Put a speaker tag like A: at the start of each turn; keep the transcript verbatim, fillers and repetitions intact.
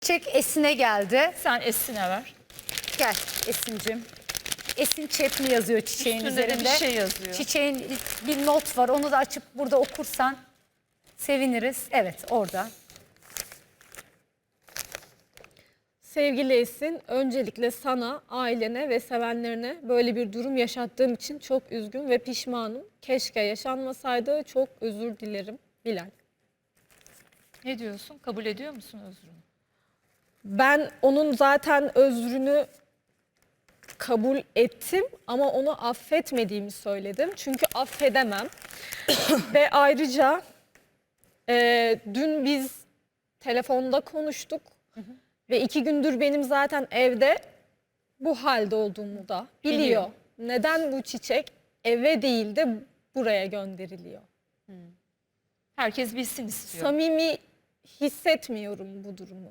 A: Çiçek Esin'e geldi.
B: Sen Esin'e ver.
A: Gel Esin'cim. Esin Çepni yazıyor çiçeğin
B: Üstünde de
A: üzerinde.
B: bir şey yazıyor.
A: Çiçeğin bir not var. Onu da açıp burada okursan seviniriz. Evet, orada.
C: Sevgili Esin, öncelikle sana, ailene ve sevenlerine böyle bir durum yaşattığım için çok üzgün ve pişmanım. Keşke yaşanmasaydı, çok özür dilerim. Bilal.
B: Ne diyorsun? Kabul ediyor musun özrünü?
C: Ben onun zaten özrünü kabul ettim ama onu affetmediğimi söyledim. Çünkü affedemem. Ve ayrıca e, dün biz telefonda konuştuk. Hı hı. Ve iki gündür benim zaten evde bu halde olduğumu da biliyor. biliyor. Neden bu çiçek eve değil de buraya gönderiliyor?
B: Hmm. Herkes bilsin istiyor.
C: Samimi hissetmiyorum bu durumu.